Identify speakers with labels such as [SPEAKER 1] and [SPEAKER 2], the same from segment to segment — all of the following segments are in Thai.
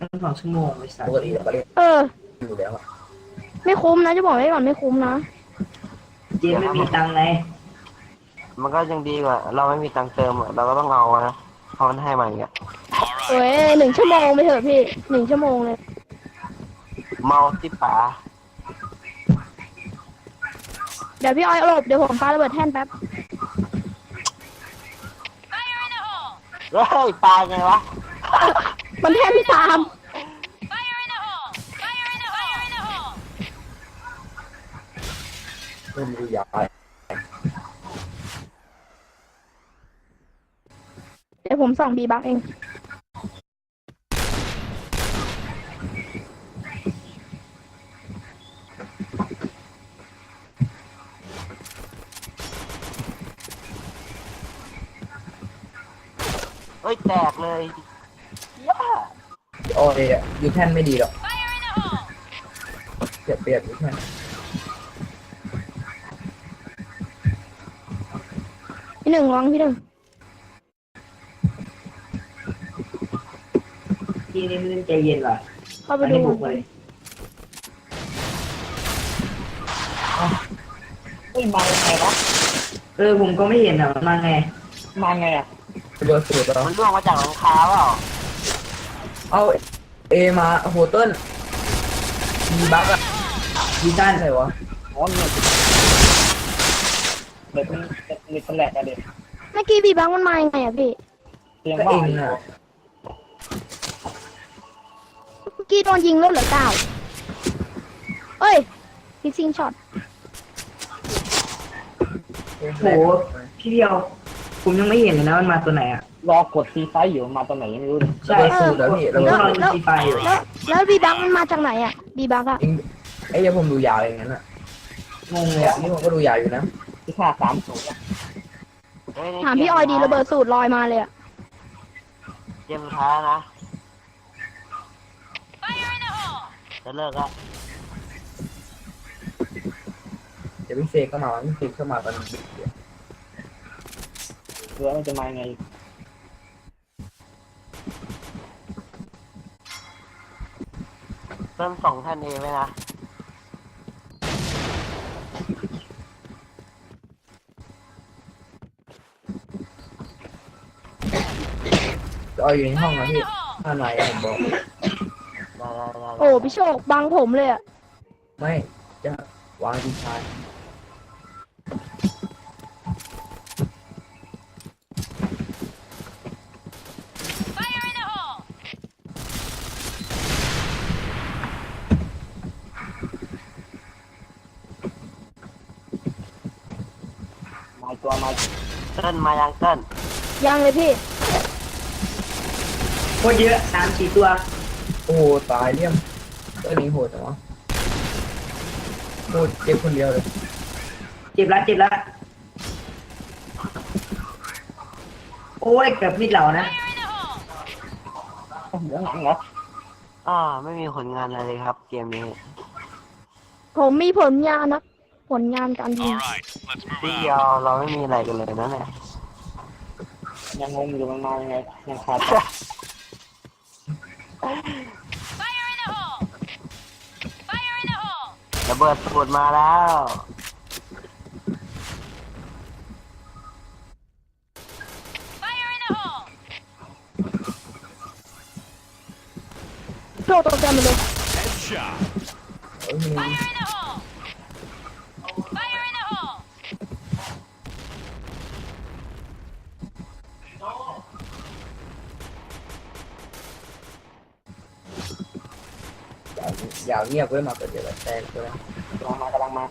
[SPEAKER 1] ตั้ง2 ชั่วโมงไอ้สัต
[SPEAKER 2] ป
[SPEAKER 1] ว์
[SPEAKER 2] กติเราก็เล่น
[SPEAKER 3] เออ
[SPEAKER 2] อยู่แล้วอะ
[SPEAKER 3] ไม่คุ้มนะจะบอกไว้ก่อนไม่คุ้มนะ
[SPEAKER 1] เจมไม่มีตังค์ไง
[SPEAKER 4] มันก็ยังดีกว่าเราไม่มีตังค์เติมอะเราก็ต้องเอานะเพราะมันให้มาอย่างเงี้ย
[SPEAKER 3] เว้ย1 ชั่วโมงไปเถอะพี่1 ชั่วโมงเลย
[SPEAKER 4] เมาที่ป๋า
[SPEAKER 3] เดี๋ยวพี่อ้อยหลบเดี๋ยวผมปาระเบิดแท่นแป๊บ
[SPEAKER 4] เฮ้ยปลาไงวะ
[SPEAKER 3] มันแท่นพี่ตาม
[SPEAKER 2] เล่นดูยาว
[SPEAKER 3] เดี๋ยวผมส่องบีบักเอง
[SPEAKER 4] เฮ้ยแตกเลยย่า
[SPEAKER 2] โอ้ยอยู่แท่นไม่ดีหรอกเปรียบอยู่แท่น
[SPEAKER 3] พี่หนึ่งระวังพี่หนึ่ง
[SPEAKER 1] ทีนี้มันใจเย็นว่ะ
[SPEAKER 3] เข้าไป
[SPEAKER 1] มัน
[SPEAKER 3] ดู
[SPEAKER 1] ให้บุกเลย
[SPEAKER 4] เฮ้ยมายังไงวะ
[SPEAKER 1] ผมก็ไม่เห็นอ่ะมันมาไง
[SPEAKER 4] มาไงอ่ะ
[SPEAKER 2] เบอร์สูตรเรา
[SPEAKER 4] มันร่วงมาจากหลังคาเปล่า
[SPEAKER 2] เอาเอมาโหเติ้ลมีบั๊กอะ
[SPEAKER 1] ยีต้าน
[SPEAKER 2] ใช่วะ
[SPEAKER 4] อ๋อเนี่ยเด็กมันแหลกอะเด็ก
[SPEAKER 3] เมื่อกี้บีบักมันมายังไงอะพี่
[SPEAKER 4] เตียง
[SPEAKER 2] ก็
[SPEAKER 4] ว่า
[SPEAKER 2] เองอะ
[SPEAKER 3] เมื่อกี้โดนยิงแล้วเหลือ9เอ้ยพิซซิงช็อต
[SPEAKER 1] โหพี่เดียวผมยังไม่เห็นเลยนะมันมาตัวไหนอ่ะ
[SPEAKER 4] รอกดซีไฟอยู่มาตอนไหนยังไม่รู้เลย
[SPEAKER 1] ใช่
[SPEAKER 2] เบอร์สูตรแล้วพี่
[SPEAKER 1] ผม
[SPEAKER 2] เรา
[SPEAKER 1] ก็รอดูซีไฟอยู่
[SPEAKER 3] แล้วบีบักมันมาจากไหนอะบีบักอะ
[SPEAKER 2] เองไอ้เดี๋ยวผมดูยาวอย่างนั้นอะ
[SPEAKER 1] งงเลย
[SPEAKER 2] เนี่ย
[SPEAKER 1] อ่ะ
[SPEAKER 2] นี่ผมก็ดูยาวอยู่นะ
[SPEAKER 4] ที่ค่า30
[SPEAKER 3] ถามพี่ออยดีระเบิดสูตรลอยมาเลยอะ
[SPEAKER 4] เกมสุดท้ายนะจะเลิกละ
[SPEAKER 2] เดี๋ยวพี่เซก็มาพี่เซก็มาตอนดึกเดี๋ยว
[SPEAKER 4] เรือมันจะมาไงเริ่ม2ท่านเองไหมนะ
[SPEAKER 2] เอาอยู่ในห้องนะพี่ข้างในผมบอก
[SPEAKER 4] ได้
[SPEAKER 3] โอ้พี่โชคบังผมเลยอะ
[SPEAKER 2] ไม่จะวางดีชาย
[SPEAKER 4] มาตัวมาเติ้ลมายังเติ้ล
[SPEAKER 3] ยังเลยพี่
[SPEAKER 1] โคตรเยอะ3-4 ตัว
[SPEAKER 2] โอ้โหตายเลี่ยมตัวนี้โหดจังวะโหดเจ็บคนเดียวเลย
[SPEAKER 1] เจ็บแล้วโอ้ยเกือบมิดเหล่านะ
[SPEAKER 4] เดี๋ยวหลังเหรอไม่มีผลงานอะไรเลยครับเกมนี้
[SPEAKER 3] ผมมีผลงานนะผลงานการยิง
[SPEAKER 4] ที่เดียวเราไม่มีอะไรกันเลยนะเนี่ยยังงงอยู่มันมายังไงยังขาดระเบิดสูตรมาแล้ว
[SPEAKER 3] โชคตกใจหมดเลย
[SPEAKER 2] เออมียาวเงียบไว้มาเกิดเดี๋ยวแต่ใช่ไหม
[SPEAKER 4] กำลังมา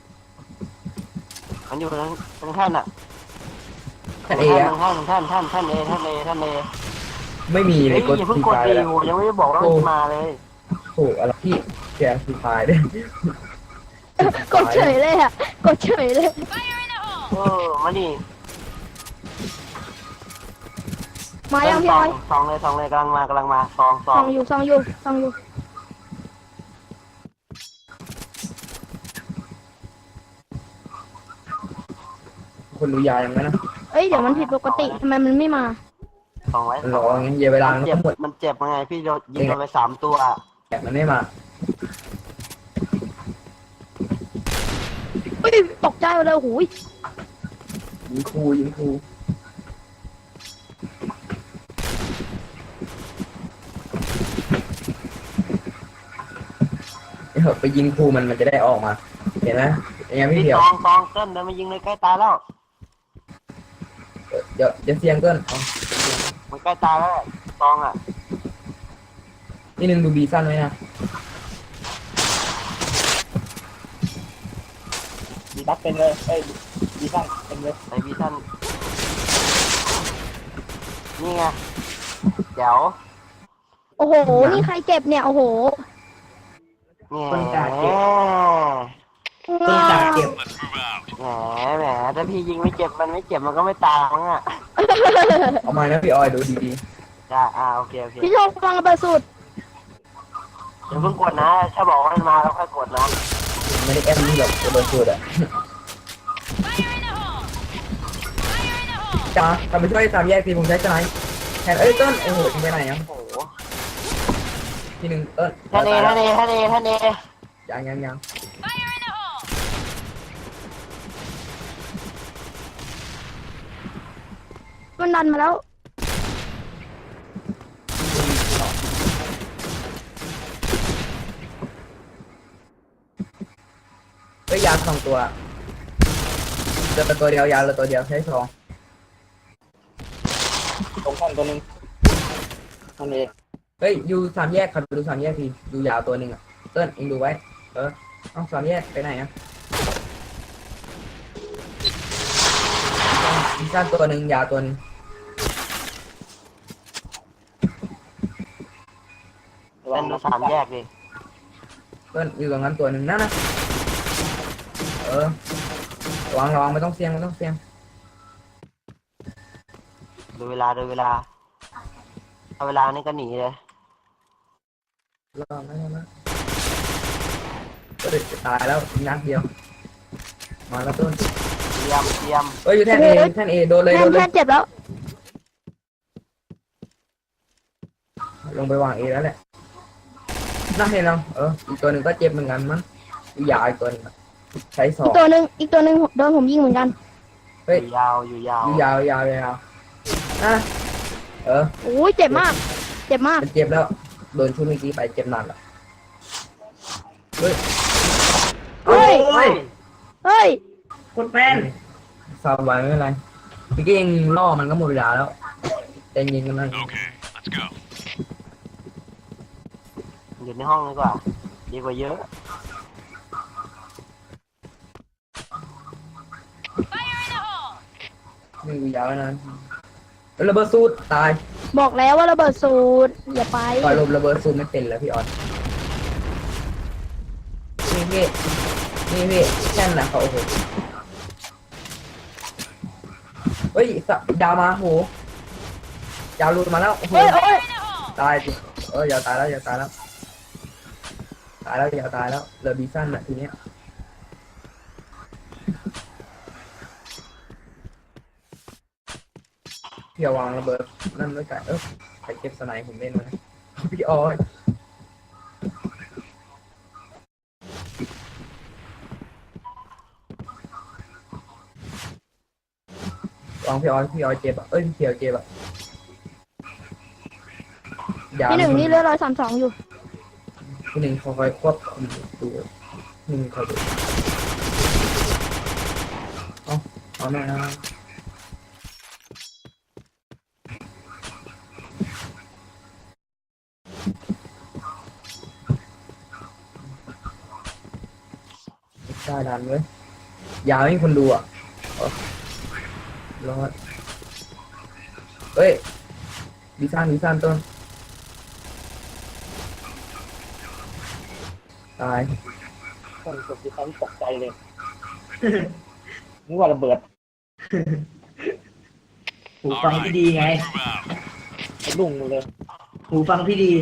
[SPEAKER 4] มันอยู่ตรงท่านอ่ะ
[SPEAKER 2] ท่านเออะ
[SPEAKER 4] ท่านเอ
[SPEAKER 2] ไม่มีเล
[SPEAKER 4] เฮ้
[SPEAKER 2] ย
[SPEAKER 4] ย
[SPEAKER 2] กด
[SPEAKER 4] อย่าเพิ่ง
[SPEAKER 2] ที
[SPEAKER 4] กด
[SPEAKER 2] ไฟ
[SPEAKER 4] ดี
[SPEAKER 2] แล้ว
[SPEAKER 4] อยู่ยังไม่ได้บอกว่ามันมาเลย
[SPEAKER 2] โอ้อะไรพี่แกทีไฟด้วย
[SPEAKER 3] กดเฉยเลยอะกดเฉยเลย
[SPEAKER 4] มาดิ
[SPEAKER 3] มายังพี่ออย
[SPEAKER 4] สองเลยกำลังมาสอง
[SPEAKER 3] ส่องอยู่
[SPEAKER 2] คนดูยาวอย่างนั้นนะ
[SPEAKER 3] เอ้ยเดี๋ยวมันผิดปกติทำไมมันไม่มา
[SPEAKER 4] 200
[SPEAKER 2] มันรองั้นเยเวลา
[SPEAKER 4] มัน
[SPEAKER 2] มัน
[SPEAKER 4] เจ็บ
[SPEAKER 2] ก็หมด
[SPEAKER 4] มันเจ็บยังไงพี่โดนยิงไป3 ตัว
[SPEAKER 2] แต่มันไม่มา
[SPEAKER 3] เฮ้ยตกใจหมดเลยโอ้โหย
[SPEAKER 2] ยิงครูยิงครูไปยิงครูมันจะได้ออกมา เห็นไหมยังไม่
[SPEAKER 4] พี่
[SPEAKER 2] เดียว
[SPEAKER 4] ตองเต้นเดินมายิงเลยใกล้ตายแล้ว
[SPEAKER 2] เดี๋ยวเสียงเกินเอา
[SPEAKER 4] มันใกล้ตายแล้วตองอ่ะ
[SPEAKER 2] นี่นึงดูบีสั้นไว้นะ
[SPEAKER 1] ดีบัฟเป็นเลยเอ้ยดีบ้างเป็นเลย
[SPEAKER 4] ไอพี่ท่านนี่ไงเดี๋ยว
[SPEAKER 3] โอ้โหนี่ใครเจ็บเนี่ยโอ้โห
[SPEAKER 1] ต้นกาเจ็บ
[SPEAKER 4] แห
[SPEAKER 1] ต้นกาเจ็บ
[SPEAKER 4] มถ้าพี่ยิงไม่เจ็บมันไม่เจ็บมันก็ไม่ตายมั้งอ่ะ
[SPEAKER 2] เอามานะพี่ออยดูดี
[SPEAKER 4] จ้าโอเค
[SPEAKER 3] พี่โชคฟังระเบิดสุด
[SPEAKER 4] อย่าเพิ่งกดนะถ้าบอกว่ามันมาแล้วค่อยกดนะ
[SPEAKER 2] ๆไม่ได้แอมนี่หรอกจะโดนสูดอ่ะจ้าทำไปช่วยตามแยกทีผมใช้สไนป์แทนเอ้ยต้นโอ้โหทิ้งไปไหนอ่ะ
[SPEAKER 4] โอ้โห
[SPEAKER 2] ทีหนึ่งเอิ้น
[SPEAKER 4] ท่านเอ
[SPEAKER 2] ยัง
[SPEAKER 3] มันดันมาแล้ว
[SPEAKER 2] เอ้ยยา2 ตัวเจอตัวเดียวยาเลยตัวเดียวใช้2
[SPEAKER 1] ตรงข้างตัวหนึงนั่นเอง
[SPEAKER 2] เฮ้ยอยู่3 แยกครับดู3 แยกทีดูยาวตัวหนึ่งอ่ะเติ้ลเองดูไว้เอา3 แยกไปไหนอ่ะมีสั้นตัวหนึ่งยาวตัวหนึง
[SPEAKER 4] เล่นดู3 แยกดิ
[SPEAKER 2] เติ้ลอยู่ตรงนั้นตัวหนึ่งนั่นนะระวังไม่ต้องเสี่ยง
[SPEAKER 4] ดูเวลาเอาเวลานี่ก็หนีเลย
[SPEAKER 2] รอไม่ก็เด็กจะตายแล้วนัดเดียวมาแล้วต้น
[SPEAKER 4] เตรียม
[SPEAKER 2] เอ้ยอยู่แท่นเอโดนเลย
[SPEAKER 3] แค่เจ็บแล้ว
[SPEAKER 2] ลงไปวางเอแล้วแหละน่าเห็นเราอีกตัวหนึ่งก็เจ็บเหมือนกันมั้งยาวอีกตัวหนึงใช้2
[SPEAKER 3] อีกตัวหนึ่งโดนผมยิงเหมือนกัน
[SPEAKER 2] เฮ้ย
[SPEAKER 4] อยู่ยาว
[SPEAKER 2] ยาวอ่ะ
[SPEAKER 3] โอ้ยเจ็บมาก
[SPEAKER 2] มันเจ็บแล้วโดนชุดเมื่อกี้ไปเจ็บหนักอ่ะเฮ้ย
[SPEAKER 3] เฮ้ย
[SPEAKER 1] คนแม่น
[SPEAKER 2] สบายไม่เป็นไรเมื่อกี้ยังล่อมันก็หมดเวลาแล้วแต่ยิงกันนั่น
[SPEAKER 4] อยู่ในห้องดีกว่าดีกว่าเยอะ
[SPEAKER 2] นี่กูยาวนะระเบิดสูตรตาย
[SPEAKER 3] บอกแล้วว่าระเบิดสูตรอย่าไป
[SPEAKER 2] ปล่อยลมระเบิดสูตรไม่เป็นแล้วพี่ออนนี่พี่แค่นนะเขาโอ้โหเฮ้ยดาวมาโหยาวหลุดมาแล้วโอ้โห
[SPEAKER 3] โอ้ย
[SPEAKER 2] ตายจริงอย่าตายแล้วตายแล้วเหลือบีสั้นอ่ะทีเนี้ยพี่วางระเบิดนั่นด้วยกันไปเก็บสไนป์ผมเล่นมาพี่ออยวางพี่ออยเจ็บอ่ะพี่เขียวเจ็บอ่ะ
[SPEAKER 3] พี่หนึ่งนี่เลือด132อยู่
[SPEAKER 2] พี่หนึ่งคอยควบคุมตัวหนึ่งคอยดูเอาหน่อยนะได้ดันเว้ยยาวให้คนดูอ่ะรอดเฮ้ยดีซ่านต้นตาย
[SPEAKER 1] คนกดที่เขาตกใจเลยนึกว่าระเบิดหูฟังพี่ดีไงลุ่งเลยหูฟังพี่ดี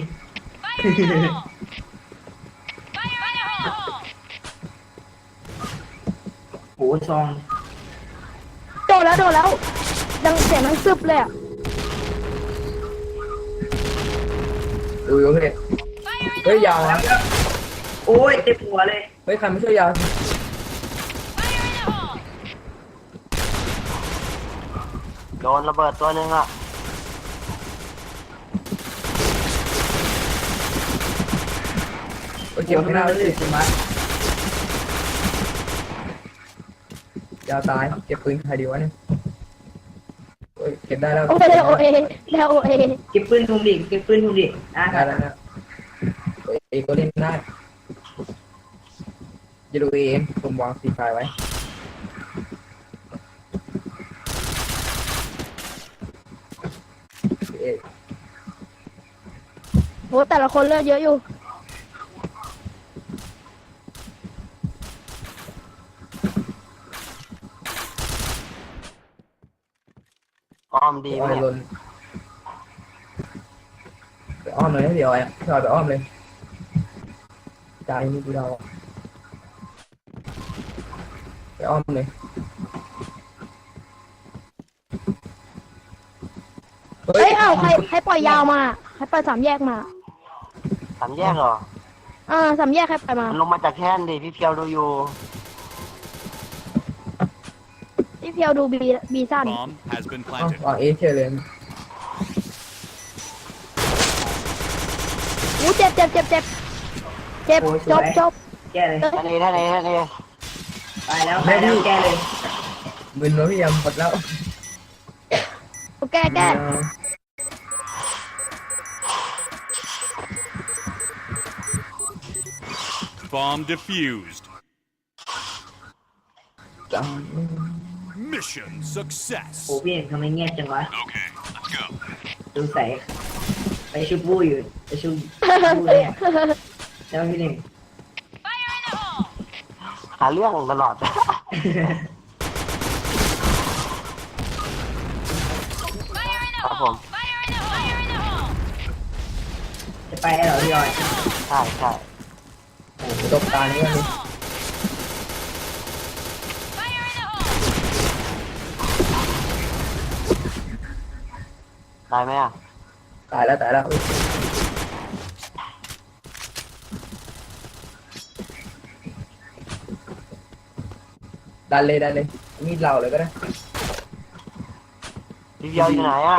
[SPEAKER 1] หูซอง
[SPEAKER 3] โดนแล้วดังเสียงดังซึบเลยอ่ะ
[SPEAKER 2] ดูอยู่เฮ้ยเฮ้ยยาวนะ
[SPEAKER 1] โอ้ยเจ็บหัวเลย
[SPEAKER 2] เฮ้ยใครไม่ช่วยยาว
[SPEAKER 4] โดนระเบิดตัวหนึ่งอ่ะ
[SPEAKER 2] โอ้ยเจ็บข้างหน้าเลยใช่ไหมยาวตายเก็บปืนใครดีวะเนี่ยโอ้ยเก็บได้แล้ว
[SPEAKER 3] โอเอโอเอแล้วโอเอ
[SPEAKER 1] เก็บปืนทุมดิเก็บปืนทุมดิอ่ะ
[SPEAKER 2] ได้แล้วนะโอ้ยเอก็เล่นได้จะดูเองผมวางสีไฟไว้เอ
[SPEAKER 3] โหแต่ละคนเลือดเยอะอยู่
[SPEAKER 4] อ้อมดีไหม
[SPEAKER 2] อ้อม
[SPEAKER 4] เนี่ย
[SPEAKER 2] ลนไปอ้อมเลยเดี๋ยวไอ้พี่ออยไปอ้อมเลยใจนี่กูเราไปอ้อมเลยเฮ้
[SPEAKER 3] เฮ้
[SPEAKER 2] ย
[SPEAKER 3] ยเอ้าใครปล่อยยาวมาใครปล่อยสามแยกมา
[SPEAKER 4] สามแยกเหรอ
[SPEAKER 3] สามแยกใครปล่อยมา
[SPEAKER 4] มันลงมาจากแท่นดิพี่เพียวดูอยู่
[SPEAKER 3] พี่เพียวดูบีสั้น
[SPEAKER 5] Bomb has been
[SPEAKER 2] อ๋อ
[SPEAKER 5] planted.
[SPEAKER 2] วางเอเชเลย
[SPEAKER 3] อู้เจ็บจบ
[SPEAKER 1] โอ้ยสวย แก้เลย
[SPEAKER 4] ท่านเอท่านเอท่านเอ
[SPEAKER 1] ตายแล้วตายแล้วแก้เลย
[SPEAKER 2] มึนแล้วพี่ยำหมดแล้ว
[SPEAKER 3] แก้
[SPEAKER 5] Bomb defused.
[SPEAKER 2] จัง
[SPEAKER 5] Mission success.
[SPEAKER 1] โอ้พี่เองทำไมเงียบจังวะ
[SPEAKER 5] Okay, let's go.
[SPEAKER 1] ดูใส่ไปชุบบู้อยู่ไปชุบบู้เนี่ยแล้วพี่หนึ่ง
[SPEAKER 4] หาเรื่องตลอด ครับผม
[SPEAKER 1] จะไปแล้วเหรอพี่ออย
[SPEAKER 4] ใช่ใช่
[SPEAKER 2] ตบตานี้กันดิ
[SPEAKER 4] ได้ไหมอ่ะ
[SPEAKER 2] ตายแล้วตายแล้วดันเลยมีดเราเลยก็ได้
[SPEAKER 4] พี่เพียวอยู่ไหนอ่ะ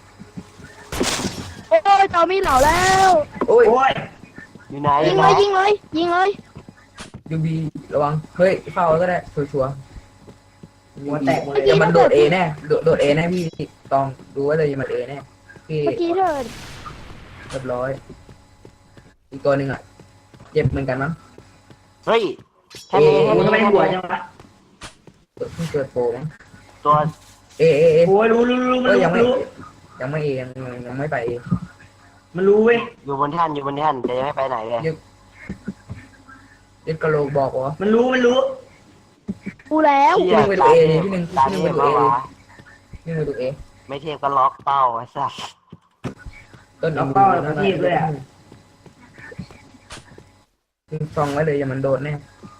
[SPEAKER 3] โอ้ยต่อมีเหล่าแล้ว
[SPEAKER 2] โอ้ย
[SPEAKER 1] โอ้ย
[SPEAKER 4] อยู่ไหนอ
[SPEAKER 3] ยิ
[SPEAKER 4] ยู่
[SPEAKER 3] ง
[SPEAKER 4] ไหน
[SPEAKER 3] เลยยิงเลยยิงเลย
[SPEAKER 2] ยูบีระวังเฮ้ยเฝ้าก็ได้ชัวร์
[SPEAKER 1] หัวแตกหมดเลย
[SPEAKER 2] เดี๋ยวมันโดดเอแน่โดดเอแน่พี่ต้องดูไว้เลยมันเอแน่พี่
[SPEAKER 3] เมื่อกี้เถิด
[SPEAKER 2] เรียบร้อยอีกตัวหนึ่งอ่ะเจ็บเหมือนกันมั้ง
[SPEAKER 4] เฮ้ยท่านเอท่าน
[SPEAKER 1] โอ้ย
[SPEAKER 4] เอ
[SPEAKER 1] ทำไม
[SPEAKER 4] ท่าน
[SPEAKER 1] หัว
[SPEAKER 4] เอ
[SPEAKER 1] จังวะ
[SPEAKER 2] เพิ่งเกิดโปรมั้ง
[SPEAKER 4] ตัว
[SPEAKER 2] เอ
[SPEAKER 1] โอ้ยรู้มัน
[SPEAKER 2] เออยังไม่
[SPEAKER 1] รู้
[SPEAKER 2] ยังไม่เอยังไม่ไปเอ
[SPEAKER 1] มันรู้เว้ย
[SPEAKER 4] อยู่บนแท่นอยู่บนแท่นแต่ยังไม่ไปไหนเลย
[SPEAKER 2] เด็กกะโหลกบอกว่า
[SPEAKER 1] มันรู้
[SPEAKER 3] กูแล้ว
[SPEAKER 4] เชี่ย
[SPEAKER 2] พี่หนึ่งไปดู A ดิพี่หนึ่ง
[SPEAKER 4] ตา
[SPEAKER 2] พี่
[SPEAKER 4] เท
[SPEAKER 2] หนึ่
[SPEAKER 4] พ
[SPEAKER 2] งไปดู
[SPEAKER 4] มา
[SPEAKER 2] A
[SPEAKER 4] วะ
[SPEAKER 2] นี่มาดูเอ
[SPEAKER 4] ไม่เทพก็ล็อกเป้าไอ้สัส
[SPEAKER 2] ต้น
[SPEAKER 1] เอาเป้าแล้วก็ทีบเลยอ่ะ
[SPEAKER 2] ทิ้งซองไว้เลยอย่ามันโดนแน่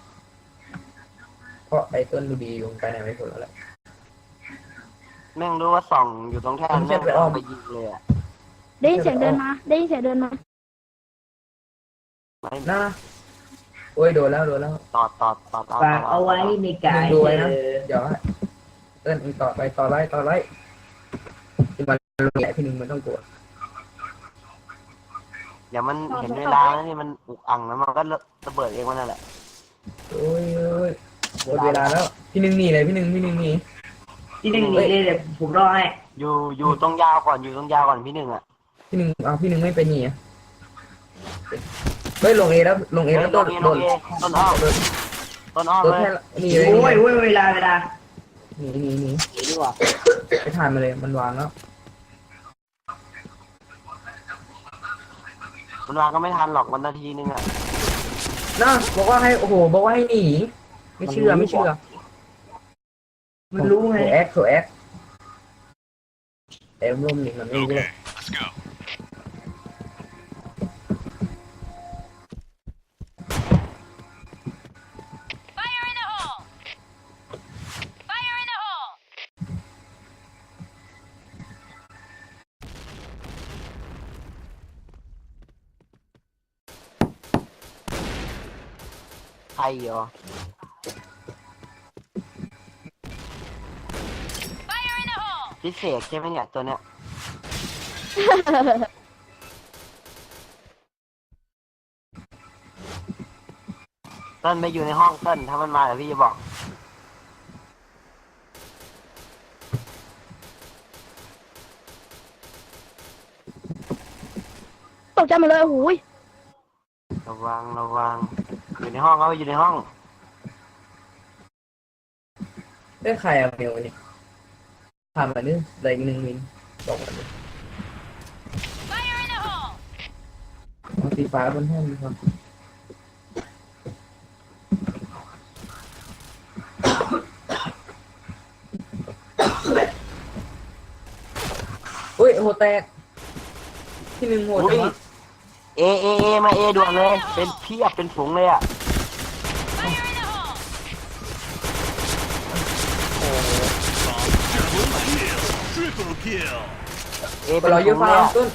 [SPEAKER 2] เพราะไอ้ต้นดูดีอยู่ไปไหนไม่พ้นแล้วแหละ
[SPEAKER 4] แม่งรู้ว่าส่องอยู่ตรงแท่น
[SPEAKER 2] ผมเช็
[SPEAKER 4] แม่
[SPEAKER 2] ด
[SPEAKER 4] ง
[SPEAKER 2] ไปอ้อม
[SPEAKER 4] ไปยิงเลยอ่ะ
[SPEAKER 3] ได้ยินเสียงเดินมาได้ยินเสียงเดินมา
[SPEAKER 4] ไม่
[SPEAKER 2] น่าโอ้ยโดนแล้ว
[SPEAKER 4] ต่อ
[SPEAKER 1] ฝากเอาไว้ในกาย
[SPEAKER 2] ดูไว้นะ
[SPEAKER 1] เออ
[SPEAKER 2] เดี๋ยวเต้นอีกต่อไล่ที่มันรู้แหละพี่หนึ่งมันต้องกลัว
[SPEAKER 4] เดี๋ยวมันเห็นเวลาแล้วนี่มันอุกอังแล้วมันก็ระเบิดเองมันนั่นแหละ
[SPEAKER 2] โอ้ยหมดเวลาแล้วพี่หนึ่งหนีเลยพี่หนึ่งหนี
[SPEAKER 1] พี่หนึ่งหนีเลยเดี๋ยวผมรอให้
[SPEAKER 4] อยู่ตรงยาวก่อนอยู่ตรงยาวก่อนพี่หนึ่งอ่ะ
[SPEAKER 2] พี่หนึ่งพี่หนึ่งไม่ไปหนีเฮ้ยลงเอแล้วต้น
[SPEAKER 4] ลงเอต้นอ้อมต้นอ้อม
[SPEAKER 2] ต้น
[SPEAKER 4] เลย
[SPEAKER 2] แค่หนีเลย
[SPEAKER 1] โอ้ยเวลา
[SPEAKER 2] หนี
[SPEAKER 4] หนีดีกว่า
[SPEAKER 2] ไปทานมาเลยมันวางแล้ว
[SPEAKER 4] มันวางก็ไม่ทันหรอกวันนาทีนึงอ่ะ
[SPEAKER 2] น่าบอกว่าให้โอ้โหบอกว่าให้หนีไม่เชื่อ
[SPEAKER 1] มันรู้ไง
[SPEAKER 2] โถแอคแอบร่มหนีมันไม่รู้เลย
[SPEAKER 5] Okay, let's go.
[SPEAKER 4] ใครเหรอพิเศษใช่ไหมเนี่ยตัวเนี้ยเต้นไปอยู่ในห้องเต้นถ้ามันมาเดี๋ยวพี่จะบอก
[SPEAKER 3] ตกใจหมาเลยโอ้โหย
[SPEAKER 4] ระวังอยู่ในห้องเขาอยู่ในห้อง
[SPEAKER 2] ได้ใครอะเมลนี่ผ่านมาเนี่ยอะไรอีก1 มิลบอกมาเลยเอาสีฟ้าบนห้องดีกว่าอุ้ยโหแตกที่1โหด
[SPEAKER 4] อุ้
[SPEAKER 2] จั
[SPEAKER 4] ย
[SPEAKER 2] งวะ
[SPEAKER 4] เอมาเอด่วนเลยเป็นเพียบเป็นฝูงเลยอ่ะ
[SPEAKER 5] Triple kill.
[SPEAKER 4] เอ
[SPEAKER 2] ไป
[SPEAKER 4] เป็น
[SPEAKER 2] รอ
[SPEAKER 4] ฝู
[SPEAKER 2] เยอะ
[SPEAKER 4] ง
[SPEAKER 2] ฟ้า
[SPEAKER 4] เลยอะ
[SPEAKER 2] ต้น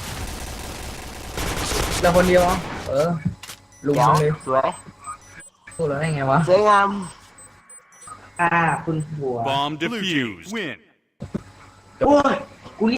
[SPEAKER 2] เราคนเดียวเหรอลุง
[SPEAKER 4] เดี๋ยว
[SPEAKER 2] เลย
[SPEAKER 4] สวย
[SPEAKER 2] สู้แล้วได้ไงวะ
[SPEAKER 4] สวยงาม
[SPEAKER 1] คุณหัว
[SPEAKER 5] Bomb defused. Win.
[SPEAKER 1] โอ้ย